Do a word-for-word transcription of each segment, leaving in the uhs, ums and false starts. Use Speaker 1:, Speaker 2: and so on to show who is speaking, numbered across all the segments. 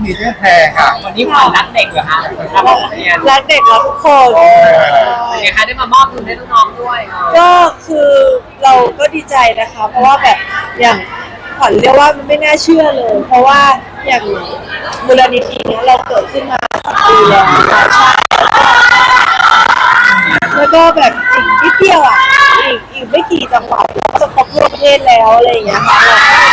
Speaker 1: นีเจอร์แพงค่ะ
Speaker 2: วันนี้ขวัญรักเด็กเหรอคะรักโรงเรียน
Speaker 3: รักเด็กรักทุกคน
Speaker 2: เป็นไงคะได้มามอบทุนให้น้องๆด้วย
Speaker 3: ก็คือเราก็ดีใจนะคะเพราะว่าแบบอย่างขวัญเรียกว่ามันไม่น่าเชื่อเลย เพราะว่าอย่างมูลนิธิเนี้ยเราเกิดขึ้นมาสิบปีแล้วนะคะใช่แล้วก็แบบอีกนิดเดียวอ่ะอีกอีกไม่กี่จังหวัดเราจะครบทั่วประเทศแล้วอะไรอย่างเงี้ยค่ะ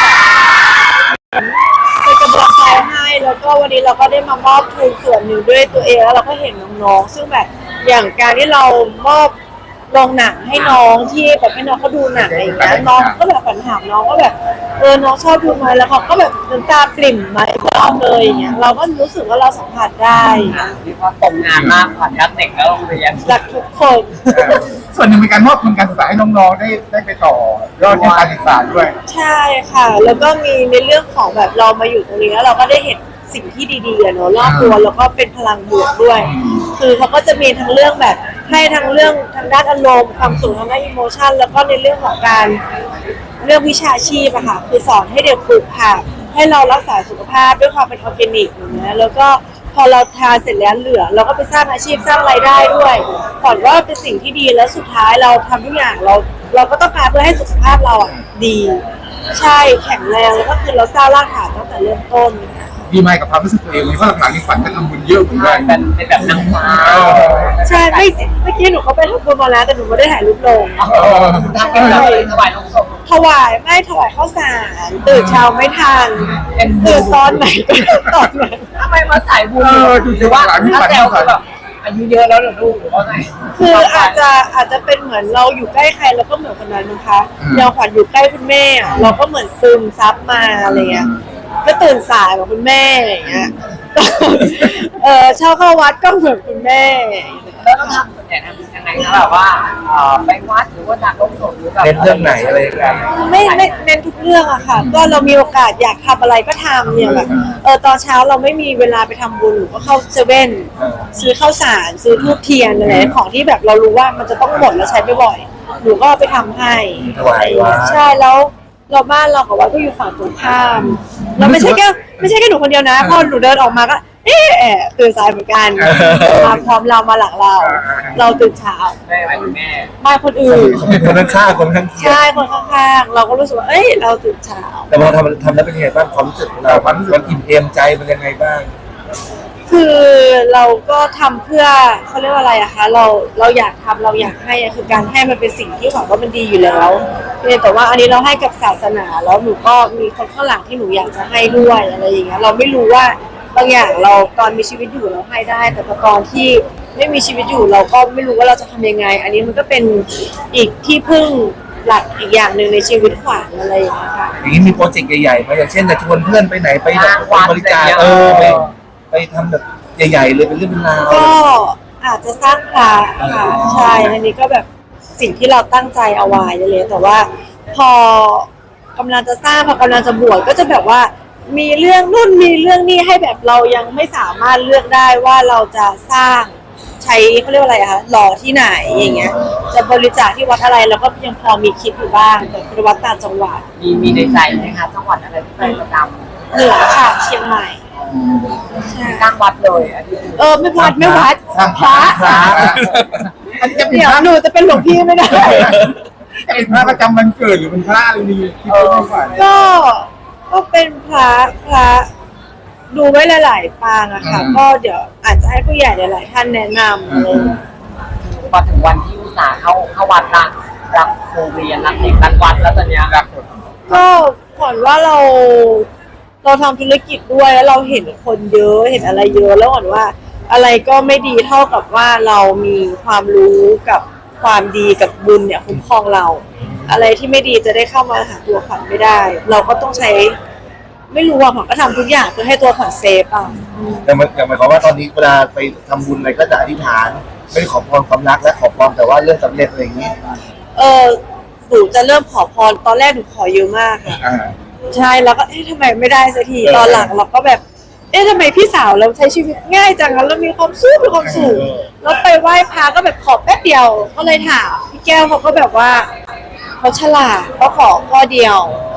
Speaker 3: เราก็เป็นกำลังใจให้แล้วก็วันนี้เราก็ได้มามอบทุนส่วนหนึ่งด้วยตัวเองแล้วเราก็เห็นน้องๆซึ่งแบบอย่างการที่เรามอบลงหนังให้น้องที่แบบให้น้องเขาดูหนังอะไรอย่างเงี้ยน้องก็แบบฝันถามน้องก็แบบเออน้องชอบดูไหมแล้วเขาก็แบบน้ำตาปริ่มมาชอบเลยอย่างเงี้ยเราก็รู้สึกว่าเราสัมผัสได้
Speaker 2: เรียกว่าตรงงานมากขวัญรักเด็กและโรงเรียน
Speaker 3: รักทุกคน
Speaker 1: ส่วนหนึ่งเป็นการมอบทุนการศึกษาให้น้องๆได้ได้ไปต่อยอดการศึกษาด้วย
Speaker 3: ใช่ค่ะแล้วก็มีในเรื่องของแบบเรามาอยู่ตรงนี้แล้วเราก็ได้เห็นสิ่งที่ดีๆเนาะรอบตัวแล้วก็เป็นพลังบวกด้วยคือเขาก็จะมีทั้งเรื่องแบบให้ทั้งเรื่องทางด้านอารมณ์ความสุขทางด้านอิโมชันแล้วก็ในเรื่องของการเรื่องวิชาชีพอะค่ะคือสอนให้เด็กปลูกผักให้เรารักษาสุขภาพด้วยความเป็นออร์แกนิกอย่างเงี้ยแล้วก็พอเราทานเสร็จแล้วเหลือเราก็ไปสร้างอาชีพสร้างรายได้ด้วยก่อนว่าเป็นสิ่งที่ดีแล้วสุดท้ายเราทำทุกอย่างเราเราก็ต้องการเพื่อให้สุขภาพเราอะดีใช่แข็งแรงแล้วก็คือเราสร้างรากฐานตั้งแต่เริ่มต้น
Speaker 1: ดีไหมกับความรู้สึกตัวเองเพราะหลังๆนี้ฝันจะทำบุญเยอะเหมือนกัน
Speaker 2: เป็นเป็นแบบนางฟ้า
Speaker 3: ใช่ไม่เมื่อกี้หนูเขาไปทำบุญมาแล้วแต่หนูไม่ได้ถ่ายรูปลง
Speaker 2: ทำเป็นแบบถวายลงศพ
Speaker 3: ถวายไม่ถวายข้าวสารตื่นเช้าไม่ทันตื่นตอนไหนก็ตอนนั้น
Speaker 2: ทำไมมาสายบุญหรือว่าถ้าแซวคือแบบอายุเยอะแล้วเหรอลูกหรือว่าไง
Speaker 3: คืออาจจะอาจจะเป็นเหมือนเราอยู่ใกล้ใครเราก็เหมือนคนนั้นนะคะเราขวัญอยู่ใกล้คุณแม่เราก็เหมือนซึมซับมาอะไรเงี้ยก็ตื่นสายกับคุณแม่อย่างเงี้ยเออเช่าเข้าวัดก็เหมือนคุณแม่
Speaker 2: แล้วต้องทำส่วนใหญ่ทำยังไงนะแบบว่าไปวัดหรือว่าจากโลกสดหรือแบบ
Speaker 4: เน้นเรื่องไหนอะไรกัน
Speaker 3: ไม่ไม่เน้นทุกเรื่องอะค่ะก็เรามีโอกาสอยากทำอะไรก็ทำเนี่ยแบบเออตอนเช้าเราไม่มีเวลาไปทำบุญหรือก็เข้าเซเว่นซื้อข้าวสารซื้อทูบเทียนอะไรของที่แบบเรารู้ว่ามันจะต้องหมดแล้วใช้ไม่บ่อยหนูก็ไปทำให้ใช่แล้วเราบ้านเรากับวัดก็อยู่ฝั่งตรงข้ามเราไม่ใช่แค่ไม่ใช่แค่หนูคนเดียวนะพอหนูเดินออกมาก็เอ๊ะตื่นสายเหมือนกันมาพร้อมเรามาหลังเราเราตื่นเช้า
Speaker 2: ไม่ไหวคุณแม่
Speaker 3: ไม่คนอื่น
Speaker 4: คนข้างคนข้าง
Speaker 3: ใช่คนข้างๆเราก็รู้สึกว่าเอ้ยเราตื่นเช้า
Speaker 4: แต่พอทำทำแล้วเป็นไงบ้างความรู้สึกเราความรู้สึกอิ่มเอมใจเป็นยังไงบ้าง
Speaker 3: คือเราก็ทำเพื่อเขาเรียกว่าอะไรอะคะเราเราอยากทำเราอยากให้คือการให้มันเป็นสิ่งที่หวังว่ามันดีอยู่แล้วแต่ว่าอันนี้เราให้กับศาสนาแล้วหนูก็มีคนข้างหลังที่หนูอยากจะให้ด้วยอะไรอย่างเงี้ยเราไม่รู้ว่าบางอย่างเราตอนมีชีวิตอยู่เราให้ได้แต่ตอนที่ไม่มีชีวิตอยู่เราก็ไม่รู้ว่าเราจะทำยังไงอันนี้มันก็เป็นอีกที่พึ่งหลักอีกอย่างหนึ่งในชีวิตขวัญอะไรอย่างเงี้ยค่ะ
Speaker 4: อย่างนี้มีโปรเจกต์ใหญ่ๆไหมอย่างเช่นจะชวนเพื่อนไปไหนไปแบบบริจาคเออไปไปทำแบบใหญ่ๆเลยเป็นเรื่องเป็นราว
Speaker 3: ก็อาจจะสร้างพระค่ะใช่อันนี้ก็แบบสิ่งที่เราตั้งใจเอาไว้เลยแต่ว่าพอกำลังจะสร้างพอกำลังจะบวชก็จะแบบว่ามีเรื่องนู่นมีเรื่องนี้ให้แบบเรายังไม่สามารถเลือกได้ว่าเราจะสร้างใช้เขาเรียกว่าอะไรอะคะหล่อที่ไหนอย่างเงี้ยจะบริจาคที่วัดอะไรเราก็ยังพอมีคิดอยู่บ้างแต่เป็นวัดต่างจังหวัด
Speaker 2: มีมีในใจไหมคะจังหวัดอะไรที่ไปประจำ
Speaker 3: เหนือค่ะเชียงใหม่
Speaker 2: สร้างวัดเลย
Speaker 3: เออไม่วัดไม่วัด
Speaker 1: สร้างพระอันนี้จะเป็นพระ
Speaker 3: หนูจะเป็นหลวงพี่ไม่ได้
Speaker 1: จะเป็นพระประจำวันเกิดหรือเป็นพระอะไรดีที่ไม่ฝัน
Speaker 3: ก็ก็เป็นพระพระดูไว้หลายๆปางอะค่ะก็เดี๋ยวอาจจะให้ผู้ใหญ่หลายๆท่านแนะนำเลย
Speaker 2: พอถึงวันที่อุตส่าห์เข้าเข้าวัดละรักโรงเรียนรักเด็กรักวัดแล้วตอนนี้รัก
Speaker 3: ก็ก่อนว่าเราเราทำธุรกิจด้วยแล้วเราเห็นคนเยอะเห็นอะไรเยอะแล้วก่อนว่าอะไรก็ไม่ดีเท่ากับว่าเรามีความรู้กับความดีกับบุญเนี่ยคุ้มครองเราอะไรที่ไม่ดีจะได้เข้ามาหาตัวขวัญไม่ได้เราก็ต้องใช้ไม่รู้ว่าขวัญก็ทำทุกอย่างเพื่อให้ตัวขวัญเซฟอ่ะ
Speaker 4: แต่หมายความว่าตอนนี้เวลาไปทำบุญอะไรก็จะอธิษฐานไม่ได้ขอพรความรักและขอพรแต่ว่าเรื่องสำเร็จอะไรอย่างนี้
Speaker 3: เออหนูจะเริ่มขอพรตอนแรกหนูขอเยอะมากค่ะใช่แล้วก็เอ๊ะทำไมไม่ได้สักทีตอนหลังเราก็แบบเอ๊ะทำไมพี่สาวเราใช้ชีวิตง่ายจังแล้วมีความสุขมีความสุขแล้วไปไหว้พระก็แบบขอแป๊บเดียวก็เลยถามพี่แก้วเขาก็แบบว่าเขาฉลาดเขาขอข้อเดียวข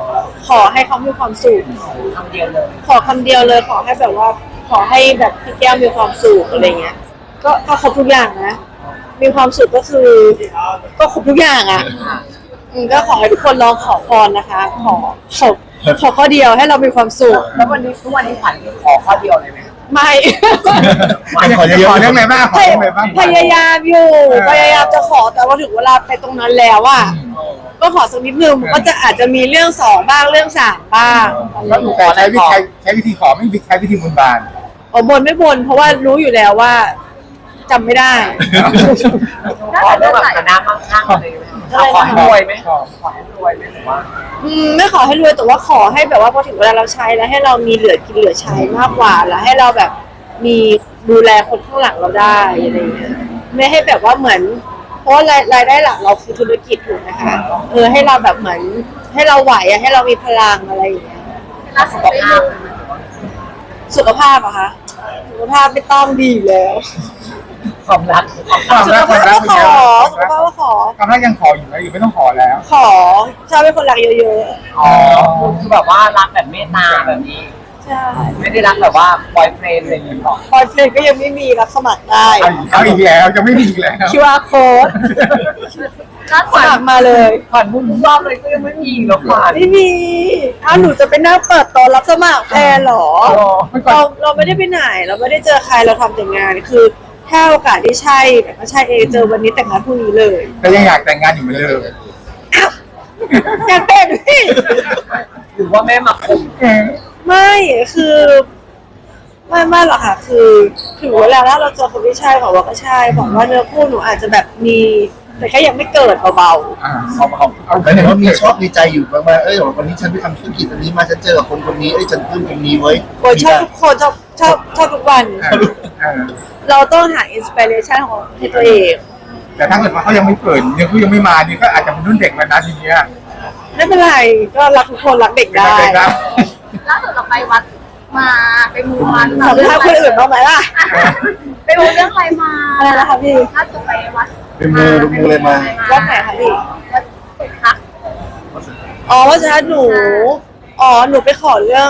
Speaker 3: ขอให้เขามีความสุข
Speaker 2: คำเดียวเลย
Speaker 3: ขอคำเดียวเลยขอให้แบบว่า ขอให้แบบพี่แก้วมีความสุขอะไรเงี้ยก็ก็ครบทุกอย่างนะมีความสุขก็คือ ก็ครบทุกอย่างอ่ะอืมก็ขอให้ทุกคนลองขอพรนะคะ ขอขอขอข้อเดียวให้เรามีความสุข
Speaker 2: แล้ววันนี้ทุกวันนี้ขวัญขอข้อเดียวเลยไหม
Speaker 3: ไม่
Speaker 1: ขอเรื่องขอเรื่องอะไรบ้างขอ
Speaker 3: พ
Speaker 1: เรื่องอะไรบ้าง
Speaker 3: พยายามอยู่พยายามจะขอแต่ว่าถึงเวลาไปตรงนั้นแล้วอ่ะก็ขอสักนิดนึงมันก็จะอาจจะมีเรื่องสองบ้างเรื่องสามบ้าง
Speaker 1: แล้วหนูแต่ใช้วิธีใช้วิธีขอไม่ใช้วิธีบนบาน
Speaker 3: อ๋อบนไม่บนเพราะว่ารู้อยู่แล้วว่าจำไม่ได้
Speaker 2: ขอเรื่องแบบฐานะมั่งคั่งเลยไหมขอให้รวยไหมขอขอให้รวยไหมหรือว่า
Speaker 3: อืมไม่ขอให้รวยแต่ว่าขอให้แบบว่าพอถึงเวลาเราใช้แล้วให้เรามีเหลือกินเหลือใช้มากกว่าแล้วให้เราแบบมีดูแลคนข้างหลังเราได้อะไรอย่างเงี้ยไม่ให้แบบว่าเหมือน เพราะว่ารายรายได้หลักเราคือธุรกิจถูกนะคะเออให้เราแบบเหมือนให้เราไหวอะให้เรามีพลังอะไรอย่างเงี้ย
Speaker 2: แล้วสุขภาพ
Speaker 3: สุขภาพอะคะสุขภาพไม่ต้องดีอยู่แล้ว
Speaker 2: ความรัก
Speaker 1: ความ
Speaker 3: สุ
Speaker 1: รั
Speaker 3: ข
Speaker 1: กควา
Speaker 3: ภาม พ
Speaker 1: รัก
Speaker 3: ก็
Speaker 1: เป็น
Speaker 3: ข
Speaker 1: ไง
Speaker 3: อสุขภาพก็ขอ
Speaker 1: ความรักยังขออยู่ไหมอยู่ไม่ต้องขอแล้ว
Speaker 3: ขอชอบเป็นคนรักเยอะ
Speaker 2: อ๋อคือแบบว่ารักแบบเมตตาแบบนี้
Speaker 3: ๆใช่
Speaker 2: ไม่ได้รักแบบว่าบอยเฟรนด์อะไรอย่างเงี้ยหรอก
Speaker 3: บอยเฟรนด์ก็ยังไม่มีรับสมัครได้
Speaker 1: เอาอีกเอาอีกแล้วจะไม่มีอีกแล้ว
Speaker 3: คิว อาร์ code
Speaker 2: รัก
Speaker 3: สมัครมาเลย
Speaker 2: ขวัญบุญทุกรอบเลยก็ยังไม่มีหรอกขวัญ
Speaker 3: ไม่มีอ้าวหนูจะไปนั่งเปิดโต๊ะรับสมัครแฟนเหรอ เราเราไม่ได้ไปไหน เราไม่ได้เจอใครเราทำแต่งานคือถ้าโอกาสที่ใช่แต่ก็ใช่เองเจอวันนี้แต่งงานพรุ่งนี้เลย
Speaker 1: แต่ยังอยากแต่งงานอยู่เหมือนเดิม
Speaker 3: อยากแต่งพี่
Speaker 2: หรือว่าแม่มาคุม
Speaker 3: ไม่คือไม่ไม่หรอกค่ะ คือถึงเวลาแล้วเราเจอคนที่ใช่บอกว่าก็ใช่บอกว่าเนื้อคู่หนูอาจจะแบบมีแต่แค่ยังไม่เกิดเบา
Speaker 1: อ่า
Speaker 4: เอาเอาเอาแล้วเนี่ยว่ามีชอบมีใจอยู่บ้างไหมเอ้ยวันนี้ฉันไปทำธุรกิจอันนี้มาฉันเจอกับคนคนนี้เอ้ยฉันปลื้มคนนี้เว้ย
Speaker 3: ๆโอ้ยชอบทุกคนชอบชอบชอบทุกวัน
Speaker 1: อ่าอ่า
Speaker 3: เราต้องหาอินสปิเรชันของให้ตัวเอง
Speaker 1: แต่ถ้าเกิดว่าเขายังไม่เปิดยังเขายังไม่มานี่ก็อาจจะเป็นรุ่นเด็กแล้วนะทีเนี้ย
Speaker 3: ไม่เป็นไรก็รักทุกคนรักเด็กได้
Speaker 1: เป็นครับ
Speaker 5: ล่าสุดเราไปวัดมาไปมูมา
Speaker 3: สัมภาษณ์คนอื่นบ้างไหมล่ะ
Speaker 5: ไปมูเรื่องอะไรมา
Speaker 3: อะไรนะคะพี่
Speaker 5: ล่าสุดไปวัด
Speaker 4: เป็นมือเป็นมือเลยมา
Speaker 3: วัดไหนคะพี่
Speaker 5: วัดสุทัศน์
Speaker 3: อ๋อว่าจะหนู อ๋อ หนูไปขอเรื่อง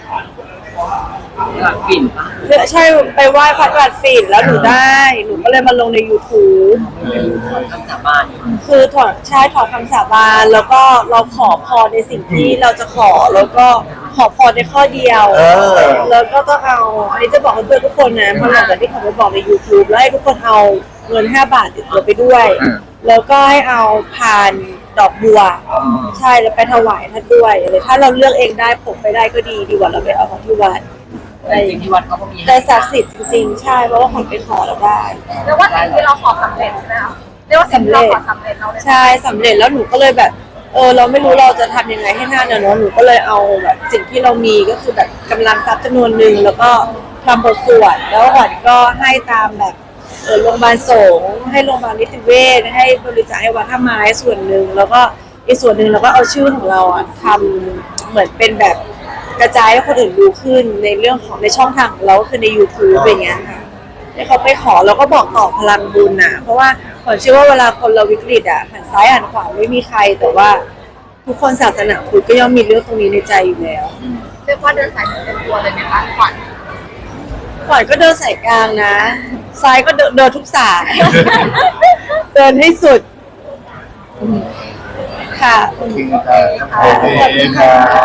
Speaker 2: หลักฝิ่นปะ
Speaker 3: เรื่องใช่ไปไหว้พระราชสินแล้วหนูได้ หนูก็เลยมาลงใน YouTube
Speaker 2: คำสาบาน
Speaker 3: คือถอดใช่ถอดคำสาบานแล้วก็เราขอพรในสิ่งที่เราจะขอแล้วก็ขอพรในข้อเดียว
Speaker 4: เออ
Speaker 3: แล้วก็ต้องเอา อันนี้จะบอกเพื่อนทุกคนนะเพราะหลังจากที่เขาไปบอกใน YouTube แล้วให้ทุกคนเอาเงินห้าบาทติดตัวไปด้วย แล้วก็ให้เอาพานดอกบัว ใช่แล้วไปถวายท่านด้วยเลยถ้าเราเลือกเองได้ผมไปได้ก็ดีดีกว่าเราไปเอาของที่วัด
Speaker 2: แต่จริงที่วัดเขาก็มี
Speaker 3: แต่ศักดิ์สิทธิ์จริงๆใช่เพราะว่าผมไปขอเราได้
Speaker 5: เรียกว่าสิ่งที่เราขอสำเร็จใช่ไหมคะเรียกว่าสิ่งที่เราขอสำเร็จเราเลย
Speaker 3: ใช่สำเร็จแล้วหนูก็เลยแบบ เออเราไม่รู้เราจะทำยังไงให้หน้าเนอะเนอะหนูก็เลยเอาแบบสิ่งที่เรามีก็คือแบบกำลังทรัพย์จำนวนหนึ่งแล้วก็ทำบทสวดแล้วขวัญก็ให้ตามแบบเออโรงพยาบาลสงฆ์ให้โรงพยาบาลนิติเวชให้บริจาคให้วัดท่าไม้ส่วนหนึ่งแล้วก็อีกส่วนหนึ่งเราก็เอาชื่อของเราอ่ะทำเหมือนเป็นแบบกระจายให้คนอื่นรู้ขึ้นในเรื่องของในช่องทางของเราก็คือใน YouTube อย่างเงี้ยค่ะให้เขาไปขอแล้วก็บอกต่อพลังบุญนะเพราะว่าผมเชื่อว่าเวลาคนเราวิกฤตอ่ะหันซ้ายหันขวาไม่มีใครแต่ว่าทุกคนศาสนาพุทธก็ย่อมมีเรื่องตรงนี้ในใจอยู่แล้ว
Speaker 5: เรียกว่าเดินสายเต็มตัวเลยไหมคะขวัญ
Speaker 3: ขวัญก็เดินสายกลางนะ ซ้ายก็เดินเดินทุกสาย เดินให้สุดอืมค่ะ
Speaker 4: โอเคครับโอเคครับ